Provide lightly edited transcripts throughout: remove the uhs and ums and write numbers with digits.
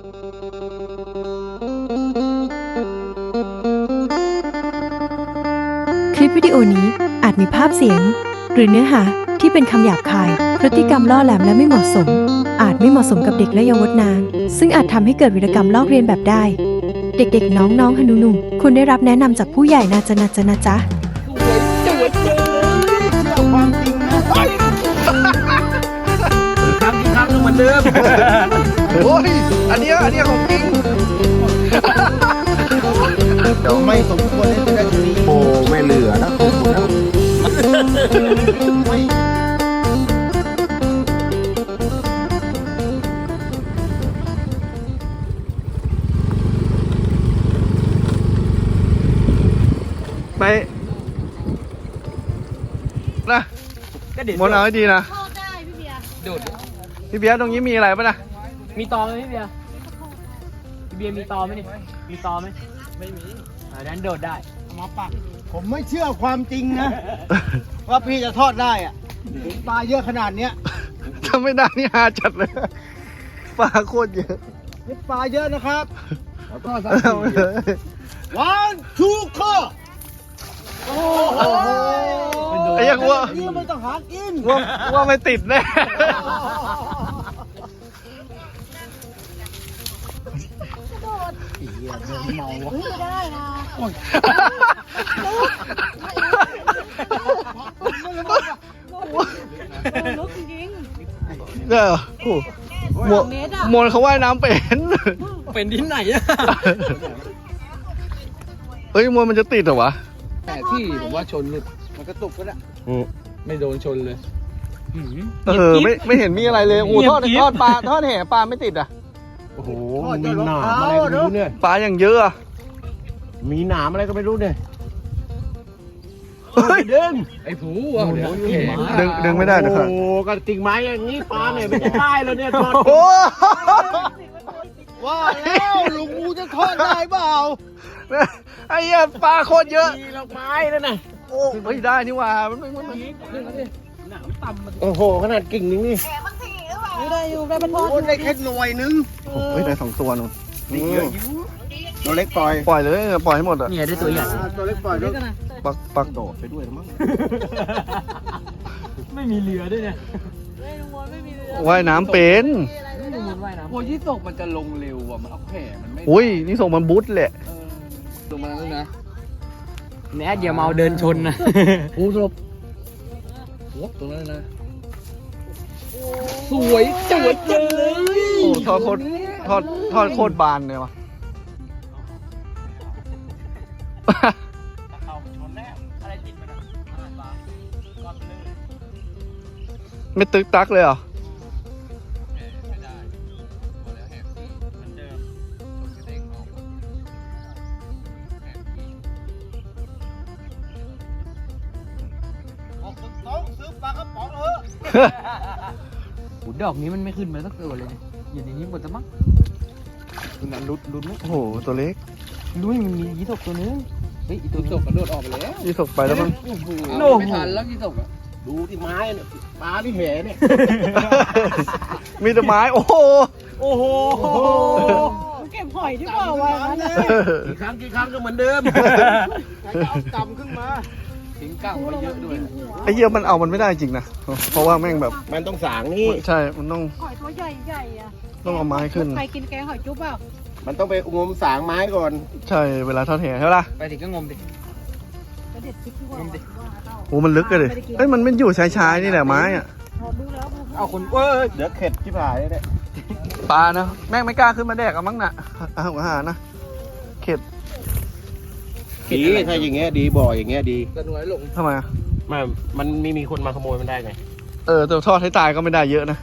คลิปวิดีโอนี้อาจมีภาพเสียงหรือเนื้อหาที่เป็นคำหยาบคายพฤติกรรมล่อแหลมและไม่เหมาะสมอาจไม่เหมาะสมกับเด็กและเยาวชนซึ่งอาจทำให้เกิดวีรกรรมลอกเลียนแบบได้เด็กๆน้องๆหนูๆควรได้รับแนะนำจากผู้ใหญ่นะจ๊ะความจริงนะครับเหมือนเดิมโอ้ยอันนี้ของจริงเดี๋ยวไม่สมควรเล่นได้ทีนี้โอ้ไม่เหลือนะไปนะมนเอาให้ดีนะพี่เบียร์ตรงนี้มีอะไรป่ะนะมีตอไหมพี่เบียร์มีตอไหมนี่มีตอไหมไม่มีนั้นโดดได้มาปักผมไม่เชื่อความจริงนะว่าพี่จะทอดได้อ่ะปลาเยอะขนาดเนี้ยถ้าไม่ได้นี่หาจัดเลยปลาโคตรเยอะนี่ปลาเยอะนะครับทอด1 2 3โอ้โหไอ้ยังว่านี่ไม่ต้องหากินว่าไม่ติดแน่เมาไม่ได้นะลุกจริงเนี่ยโอ้มนเขาว่ายน้ำเป็นที่ไหนอะเฮ้ยมนมันจะติดเหรอวะแต่ที่ผมว่าชนหลุดมันกระตุกก็ได้ไม่โดนชนเลยไม่เห็นมีอะไรเลยโอ้ทอดปลาทอดแห่ปลาไม่ติดอ่ะโอ้โหมีหนามอะไรก็ไม่รู้เนี่ยปลาอย่างเยอะมีหนามอะไรก็ไม่รู้เนี่ยดึงไอ้ผูดึงไม่ได้นะครับโอ้กระติกไม้อย่างนี้ปลาเนี่ยไม่ได้แล้วเนี่ยทอดว่าแล้วลุงงูจะทอดได้เปล่าไอ้เนี่ยปลาโคตรเยอะมีดอกไม้แล้วนะโอ้ไม่ได้นี่ว่ามันโอ้โหขนาดกิ่งนึงนี่ไม่ได้อยู่ได้เป็นทอดได้แค่หน่วยนึงไม่ได้2 ตัวนู่นตัวเล็กปล่อยเลยปล่อยให้หมดอ่ะเนี่ยได้ตัวใหญ่ตัวเล็กปล่อยด้วยปักโดดไปด้วยมั้งไม่มีเรือด้วยเนี่ยว่ายน้ำเป็นโอ้ยที่ส่งมันจะลงเร็วอ่ะมันเอาแผ่มันไม่อุ้ยนี่ส่งมันบุ๊ทแหละลงมาแล้วนะแน่อย่าเมาเดินชนนะโอ้สลบตรงนั้นนะสวยจังเลยโอ้ทอดโคตรบานเลยวะไม่ตึกตักเลยเหรอซื้อปลากระป๋องเถอะดอกนี้มันไม่ขึ้นมาสักตัวเลยอยู่ในนี้หมดจะมั้งตัวนั้นรุดโอ้โหตัวเล็กลุยมันมียี่สกตัวนึงเฮ้ยตัวยี่สกกระโดดออกไปแล้วยี่สกไปแล้วมั้งไม่ทันแล้วยี่สกอ่ะดูที่ไม้เนี่ยปลาที่แหเนี่ยมีแต่ไม้โอ้โหเก็บหอยที่เปล่าวะกี่ครั้งก็เหมือนเดิมเอากำขึ้นมาทิ้งก้างไปเยอะด้วยไอ้เหี้ยมันไม่ได้จริงนะเพราะว่าแม่งแบบมันต้องสางนี่ใช่มันต้องหอยตัวใหญ่อ่ะต้องเอาไม้ขึ้นใครกินแกงหอยจุ๊บเปล่ามันต้องไปงมสางไม้ก่อนใช่เวลาทอดแห่ใช่ปะไปถึงก็งมดิโอ้มันลึกเลยเอ้ยมันไม่อยู่ชายนี่แหละไม้อ่ะเอาคนเดี๋ยวเข็ดที่ผายเนี่ยปลานะแม่งไม่กล้าขึ้นมาแดกอะมั้งน่ะอาหารนะเข็ดดีถ้าอย่างเงี้ยดีบ่อยอย่างเงี้ยดีกระหน่วยหลงทำไมมันมีคนมาขโมยมันได้ไงแต่ทอดให้ตายก็ไม่ได้เยอะนะ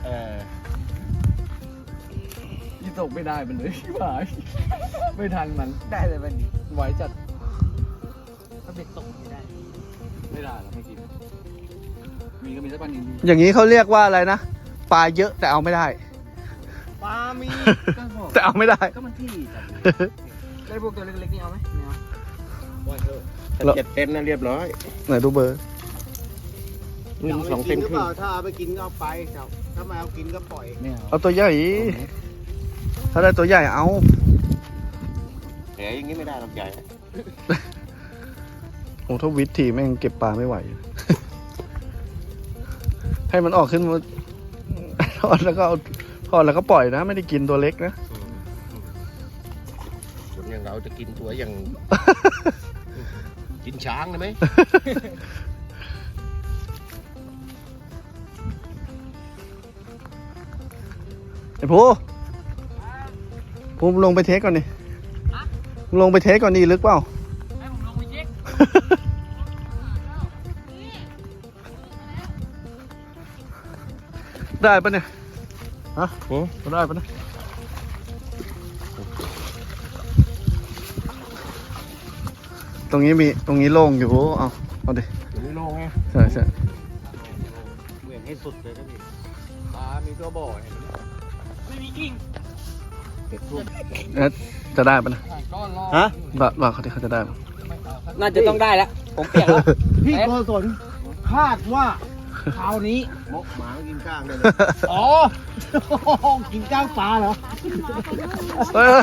ยี่ตกไม่ได้มันเลยผายไม่ทันมันได้เลยมันไว้จัดถ้าเบ็ดตกไม่ได้เราไม่กินมีก็มีสักปันนิดอย่างนี้เขาเรียกว่าอะไรนะปลาเยอะแต่เอาไม่ได้ปลามีแต่เอาไม่ได้ก็มันที่ได้พวกตัวเล็กๆนี่เอาไหม 7 เซนนะเรียบร้อยไหนดูเบอร์ 2 เซนครึ่งถ้าเอาไปกินก็เอาไปถ้าไม่เอากินก็ปล่อยเอาตัวใหญ่ถ้าได้ตัวใหญ่เอาแหอย่างนี้ไม่ได้ลำใหญ่โอ้ถ้าวิทย์ทีแม่งเก็บปลาไม่ไหว ให้มันออกขึ้นมา ทอดแล้วก็เอาทอดแล้วก็ปล่อยนะ ไม่ได้กินตัวเล็กนะคนอย่างเราจะกินตัวอย่าง กินช้างได้ไหมไอ้ภูลงไปเทสก่อนดิลงไปเทสก่อนดิลึกเปล่าให้ผมลงไปเช็คได้ปะเนี่ย ฮะได้ปะเนี่ยตรงนี้โล่งอยู่ เอาดิไม่ลงไงใช่ใช่เหวี่ยงให้สุดเลยนะพี่ปลามีตัวบ่อเห็นไหมไม่มีกิ่งเป็ดทุ่มจะได้ปะนะก้อนรอฮะว่าเขาจะได้ปะน่าจะต้องได้แล้ว ผมเปียกแล้วพี่โกศลคาดว่าคราวนี้มกหมากินก้างเลยอ๋อ กินก้างปลาเหรอถอย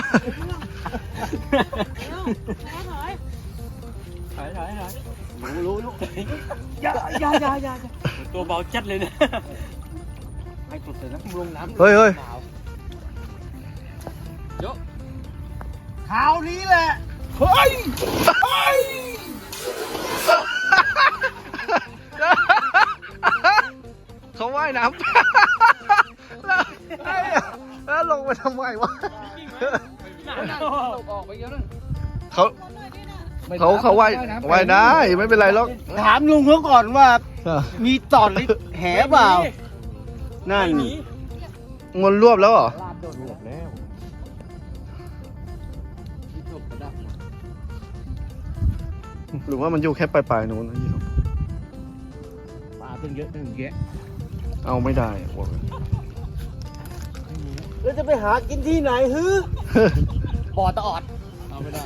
รู้อย่าตัวเบาจัดเลยนะให้สุดเลยนะลงน้ำเฮ้ยเยอะคราวนี้แหละ เฮ้ย เขาว่ายน้ำ แล้วลงไปทำไมวะตกออกไปเยอะนะเขาว่ายได้ไม่เป็นไรหรอกถามลุงเขาก่อนว่า มีตอดหรือแหเปล่า นั่นงนรวบแล้วเหรอลาดโดนหมดแล้วที่ตกกระดับหรือว่ามันอยู่แค่ปลายๆนู้นนะยี่ห้อปลาตั้งเยอะตั้งแยะเอาไม่ได้อะบอกเลยแล้วจะไปหากินที่ไหนฮือบ่อตะออดเอาไม่ได้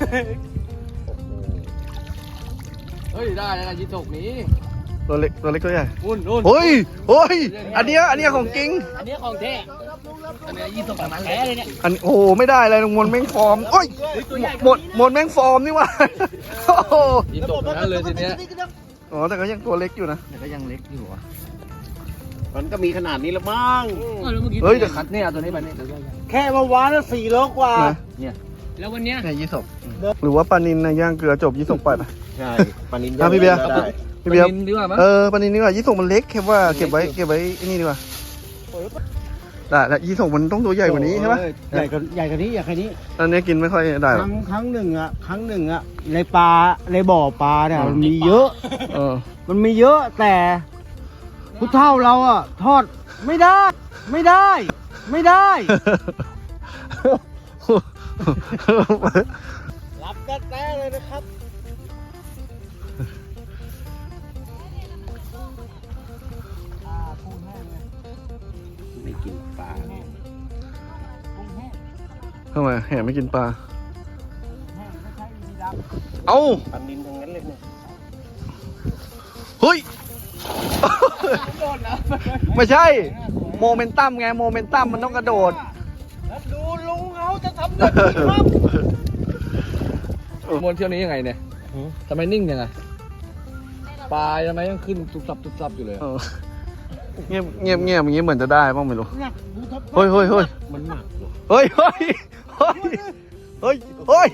เฮ้ยได้แล้วนะยี่ตกนี้ตัวเล็กตัวใหญ่นู่นเฮ้ยอันเนี้ยของจริงอันนี้ของแท้อันนี้ยี่ตกมันแท้เลยเนี่ยอันโอ้โหไม่ได้อะไรมนแม่งฟอร์มโอ้ยหมดแม่งฟอร์มนี่หว่าโอ้โหยี่ตกนั้นเลยทีเนี้ยอ๋อแต่ก็ยังตัวเล็กอยู่นะแต่ก็ยังเล็กอยู่อ่ะมันก็มีขนาดนี้ละมั้งเฮ้ยแต่คัดเนี่ยตัวนี้มันนี่ตัวใหญ่แค่เมื่อวานน่ะ4 โลกว่านะแล้ววันเนี้ยเนี่ยยี่สกหรือว่าปลานินนะย่างเกลือจบยี่สกปล่อยไปใช่ปลานินอ่ะพี่เบียร์ได้พี่เบียร์นินดีกว่ามั้งปลานินนี่ว่ายี่สกมันเล็กแค่ว่าเก็บไว้ไอ้นี่ดีกว่าได้แล้วยี่สกมันต้องตัวใหญ่กว่านี้ใช่ปะใหญ่กว่านี้นี้อันนี้กินไม่ค่อยได้หรอกครั้งหนึ่งอ่ะในปลาในบ่อปลาเนี่ยมันมีเยอะเออมันมีเยอะแต่ผู้เฒ่าเราอ่ะ ทอดไม่ได้ รับแต้เลยนะครับไม่กินปลาทำไมแห่ไม่กินปลาเอ้าปลานินทั้งนั้นเลยเนี่ยเฮ้ย ไม่ใช่ โมเมนตัมไง โมเมนตัมมันต้องกระโดดดูลุงเขาจะทำได้ครับมวนเที่ยวนี้ยังไงเนี่ยทำไมนิ่งยังไงปลาทำไมยังขึ้นตุบซับอยู่เลยเออเงียบอย่างนี้เหมือนจะได้บ้างไม่รู้หนักดูทับเฮ้ยมันหนักเหรอเฮ้ยโอ้ยโอ้ย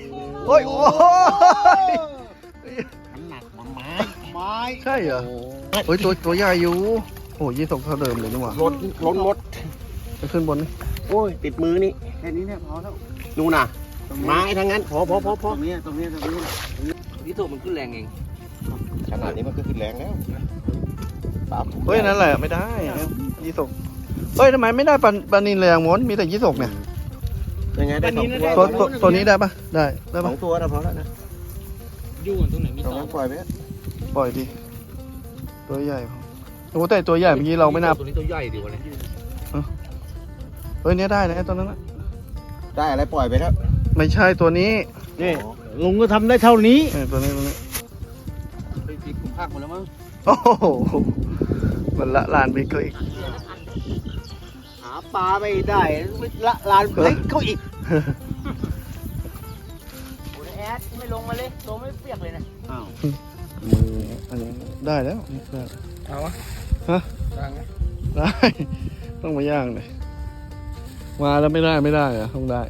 มันหนักมันไม้ไม้ใช่เหรอเฮ้ยตัวใหญ่อยู่ โอ้ยี่สกเท่าเดิมเลยนี่หว่าล้นมดไปขึ้นบนนี่โอ้ยติดมือนี่แค่นี้เนี่ยพอแล้วนู่นน่ะไม้ทั้งนั้นพอตรงนี้นี่ตัวมันขึ้นแรงเองขนาดนี้มันก็ขึ้นแรงแล้วปลาเฮ้ยนั่นแหละไม่ได้ยี่สกเฮ้ยทำไมไม่ได้ปลานินเลยอะม้วนมีแต่ยี่สกเนี่ยยังไงได้สองตัวตัวนี้ได้ปะได้สปะองตัวนะพอแล้วนะยู่กันตรงไหนมีตรงต่อนั้นปล่อยไปปล่อยดิตัวใหญ่พอโอ้แต่ตัวใหญ่เมื่อกี้เราไม่นับตัวนี้ตัวใหญ่ดีกว่าเนี่ยเฮ้ยเนี้ยได้นะไอ้ตัวนั้นนะได้อะไรปล่อยไปแล้วไม่ใช่ตัวนี้นี่ลุงก็ทำได้เท่านี้ตัวนี้ไปปิดขุมภาคหมดแล้วมั้งโอ้โหมันละลานไปก็อีกหาปลาไม่ได้ละลานเล็กเขาอีกโอ้ยแอดไม่ลงมาเลยลงไม่เปียกเลยนะอ้าวมืออันนี้ได้แล้วได้เอาวะฮะดังไหมได้ ต้องมาย่างเลยมาแล้วไม่ได้เหรอต้องได้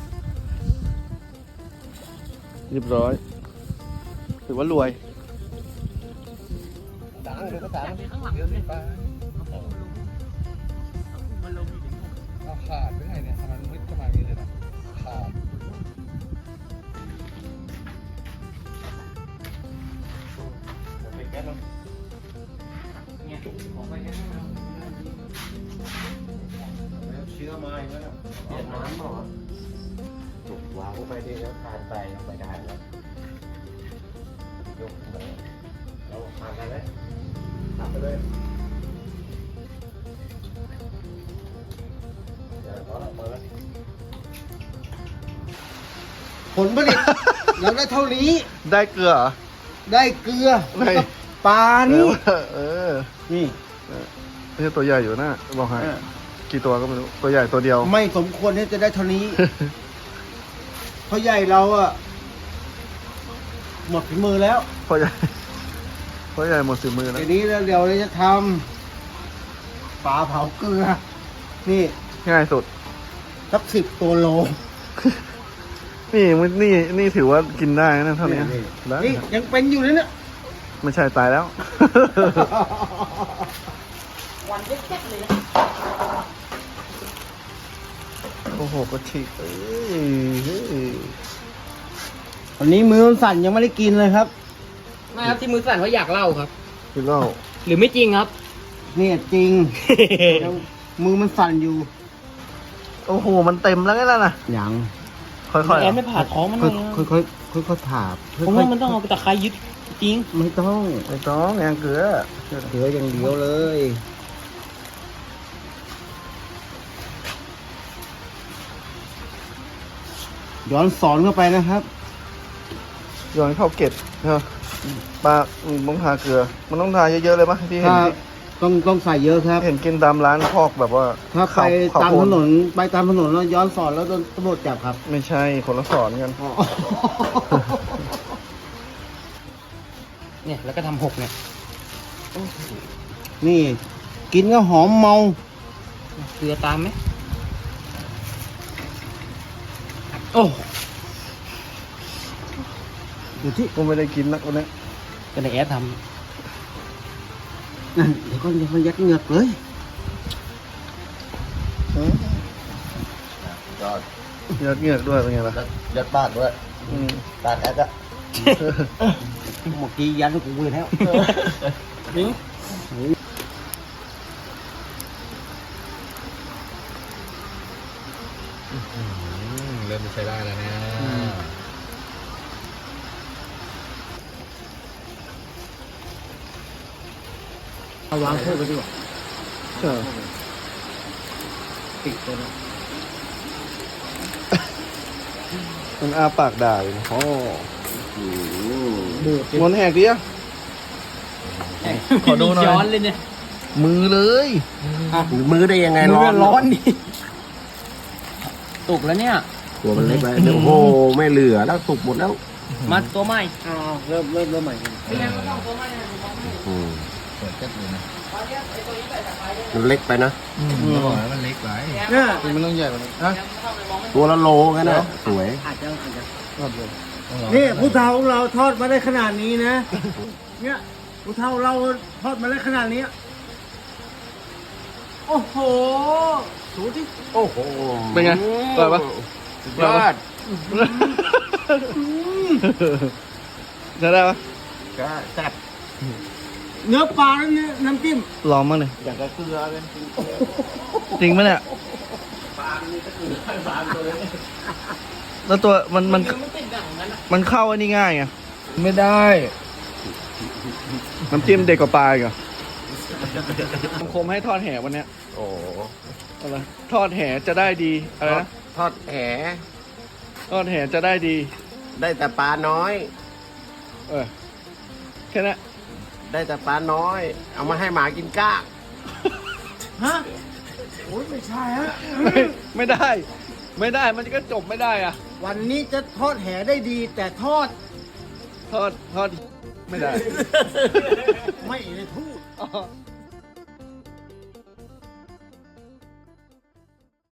เรียบร้อยถือว่ารวยดังเดี๋ยวก็ดังข้างหลังเดี๋ยวนี่ไปเอาขาดไปไหนเนี่ยมันมืดขนาดนี้เลยนะขาดเชื้อมาอีกแล้วเปลี่ยนน้ำเหรอถูกวางเข้าไปดีแล้วทานไปลงไปได้แล้วยกขึ้นมาเราทานกันไหมทำไปเลยเดี๋ยวพอแล้วพอแล้วผลผลิต เราได้เท่านี้ ได้เกลือเหรอ ได้เกลือแล้วก็ปลานี่นี่ไม่ใช่ตัวใหญ่อยู่นะบอกให้กี่ตัวก็ไม่รู้ตัวใหญ่ตัวเดียวไม่สมควรที่จะได้เท่านี้ เพราะใหญ่เราอะหมดฝีมือแล้วเพราะใหญ่หมดสิมือแล้วทีนี้เดี๋ยวเราจะทำปลาเผาเกลือ นี่ง่ายสุดสัก10 ตัวโลนี่ถือว่ากินได้นะเท่านี้ได้นี่ยังเป็นอยู่เลยเนี่ยไม่ใช่ตายแล้ววันเจ็ดเลยนะโอ้โหก็ฉีกเอ้ยวันนี้มือมันสั่นยังไม่ได้กินเลยครับไม่ครับที่มือสั่นเพราะอยากเล่าครับคือเล่าหรือไม่จริงครับเนี่ยจริง ยังมือมันสั่นอยู่โอ้โหมันเต็มแล้วไงล่ะนะยังค่อยๆแอนไม่ผ่าท้องมันเลยค่อยๆผ่าผมว่ามันต้องเอาตะไคร้ยึดจริงไม่ต้องไม่ต้องแองเกลือเหลืออย่างเดียวเลย ย้อนสอนเข้าไปนะครับย้อนเข้าเกล็ดนะปลาต้องทาเกลือ มันต้องทาเยอะๆเลยปะที่เห็นถ้าต้องใส่เยอะครับเห็นกินตามร้านพอกแบบว่าถ้าไปข้วตามโพถดนนไปตามถนนแล้วย้อนสอนแล้วโดนตำรวจจับครับไม่ใช่คนละสอนกันเนี่ยแล้วก็ทำหกเนี่ยนี่ กินก็หอมเมาเกลือตามไหมโอ้อยู่ที่ก็ไม่ได้กินนักวันนี้ก็ในแอดทนั่นเดี๋ยวก็ยังมันยัดเหงือกเลยยอดยัดเหงือกด้วยเป็นไงล่ะยัดปากด้วยอืมปากแอดอะเมื่อกี้ยัดให้กูเลยแล้วเริ่มใช้ได้แล้วนะเอาวางเพิ่มไปดีกว่าใช่ติดเลยนะมันอาปากด่าอยู่นะโอ้บูดงอนแหกดิอ่ะำขอดูหน่อยย้อนเลยเนี่ยมือเลยมือได้ยังไงมืร้อนร้อนดิตุกแล้วเนี่ยตัวมันเล็กไปโอ้โหไม่เหลือแล้วสุกหมดแล้วมาตัวใหม่เริ่มใหม่กันอืมมันเล็กไปนะบอกแล้วมันเล็กไปเนี่ยมันต้องใหญ่กว่านี้ฮะตัวละโลกันนะสวยอาจจะนี่ผู้เฒ่าของเราทอดมาได้ขนาดนี้นะ เนี่ยผู้เฒ่าเราทอดมาได้ขนาดนี้ โอ้โหสูที่โอ้โหเป็นไงอร่อยปะสุดยอดจะได้ปะก็แซ่บเนื้อปลาแล้วเนี่ยน้ำจิ้มลองมั้งเลยอย่างกับเกลือเลยจริงไหมเนี่ยแล้วตัวมันเข้าอันนี้ง่ายไงไม่ได้น้ำจิ้มเด็กกว่าปลาอีกเหรอสังคมให้ทอดแหวันเนี้ยโอ้อะไรทอดแหจะได้ดีอะไรนะทอดแหทอดแหจะได้ดีได้แต่ปลาน้อยเออแค่นั้นได้แต่ปลาน้อย เอามาให้หมากินก้างฮะ โอ้ยไม่ใช่ฮะไม่ได้ไม่ได้มันก็จบไม่ได้อะวันนี้จะทอดแหได้ดี แต่ทอดทอดไม่ได้ไม่ได้พูด